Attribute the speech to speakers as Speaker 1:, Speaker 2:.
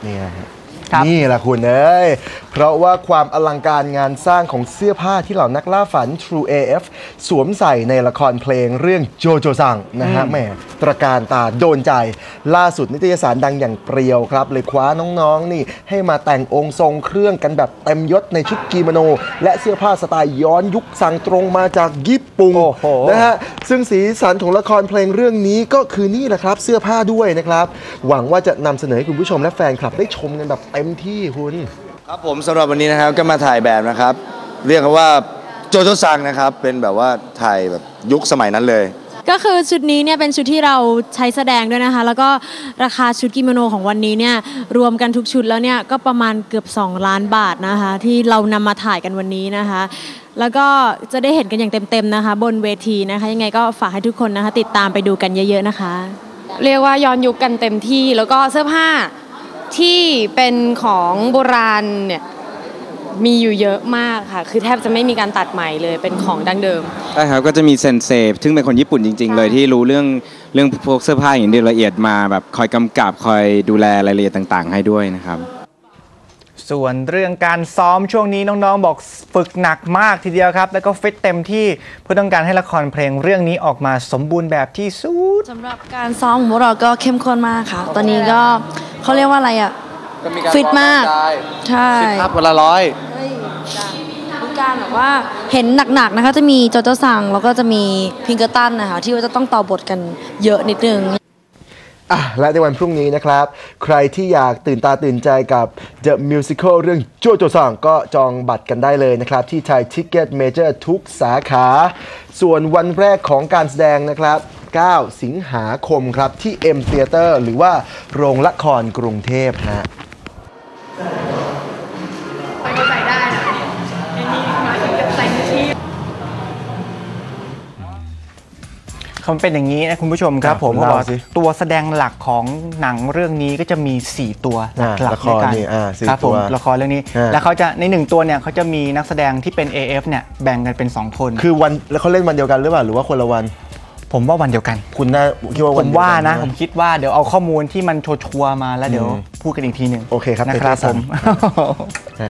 Speaker 1: นี่แหละคุณเอ้ยเพราะว่าความอลังการงานสร้างของเสื้อผ้าที่เหล่านักล่าฝัน True AF สวมใส่ในละครเพลงเรื่องโจโจซังนะฮะแหมตระการตาโดนใจล่าสุดนิตยสารดังอย่างเปรียวครับเลยคว้าน้องๆนี่ให้มาแต่งองค์ทรงเครื่องกันแบบเต็มยศในชุดกิโมโนและเสื้อผ้าสไตล์ย้อนยุคสั่งตรงมาจากญี่ปุ่นนะฮะซึ่งสีสันของละครเพลงเรื่องนี้ก็คือนี่แหละครับเสื้อผ้าด้วยนะครับหวังว่าจะนำเสนอให้คุณผู้ชมและแฟนคลับได้ชมกันแบบเต็มที่คุณ
Speaker 2: ครับผมสำหรับวันนี้นะครับก็มาถ่ายแบบนะครับเรียกว่าโจโจซังนะครับเป็นแบบว่าถ่ายแบบยุคสมัยนั้นเลย
Speaker 3: ก็คือชุดนี้เนี่ยเป็นชุดที่เราใช้แสดงด้วยนะคะแล้วก็ราคาชุดกิโมโนของวันนี้เนี่ยรวมกันทุกชุดแล้วเนี่ยก็ประมาณเกือบ2 ล้านบาทนะคะที่เรานำมาถ่ายกันวันนี้นะคะแล้วก็จะได้เห็นกันอย่างเต็มๆนะคะบนเวทีนะคะยังไงก็ฝากให้ทุกคนนะคะติดตามไปดูกันเยอะๆนะคะ
Speaker 4: เรียกว่าย้อนยุคกันเต็มที่แล้วก็เสื้อผ้าที่เป็นของโบราณเนี่ยมีอยู่เยอะมากค่ะคือแทบจะไม่มีการตัดใหม่เลยเป็นของดั้งเดิม
Speaker 5: ใช่ครับก็จะมีเซนเซซึ่งเป็นคนญี่ปุ่นจริงๆเลยที่รู้เรื่องพวกเสื้อผ้าอย่างละเอียดมาแบบคอยกำกับคอยดูแลรายละเอียดต่างๆให้ด้วยนะครับ
Speaker 6: ส่วนเรื่องการซ้อมช่วงนี้น้องๆบอกฝึกหนักมากทีเดียวครับแล้วก็ฟิตเต็มที่เพื่อต้องการให้ละครเพลงเรื่องนี้ออกมาสมบูรณ์แบบที่สุด
Speaker 7: สำหรับการซ้อมของพวกเราก็เข้มข้นมากค่ะตอนนี้ก็เขาเรียกว่าอะไรอ่ะฟิตมากใช่
Speaker 2: 10 ภาพวันละ100
Speaker 7: มีการแบบว่าเห็นหนักๆนะคะจะมีโจโจซังแล้วก็จะมีพิงเกอร์ตันนะคะที่ว่าจะต้องต่อบทกันเยอะนิดนึง
Speaker 1: และในวันพรุ่งนี้นะครับใครที่อยากตื่นตาตื่นใจกับ The Musical เรื่องโจโจซังก็จองบัตรกันได้เลยนะครับที่ไทยทิกเก็ตเมเจอร์ทุกสาขาส่วนวันแรกของการแสดงนะครับ9 สิงหาคมครับที่ M Theater หรือว่าโรงละครกรุงเทพฮะ
Speaker 4: ใส่ได้นะไอ้นี่มาถึงกับใส่ที่
Speaker 6: เขาเป็นอย่างนี้นะคุณผู้ชมครับผมบอกตัวแสดงหลักของหนังเรื่องนี้ก็จะมี4 ตัวหลักในการครับผมละครเรื่องนี้แล้วเขาจะใน1 ตัวเนี่ยเขาจะมีนักแสดงที่เป็น AF เนี่ยแบ่งกันเป็น2 คน
Speaker 1: คือวันแล้วเขาเล่นวันเดียวกันหรือเปล่าหรือว่าคนละวัน
Speaker 6: ผมว่าวันเดียวกัน
Speaker 1: คุณน่าคิดว่า
Speaker 6: ผมว่านะผมคิดว่าเดี๋ยวเอาข้อมูลที่มันชัวร์มาแล้วเดี๋ยวพูดกันอีกทีหนึ่ง
Speaker 1: โอเคครับ
Speaker 6: นะครับผม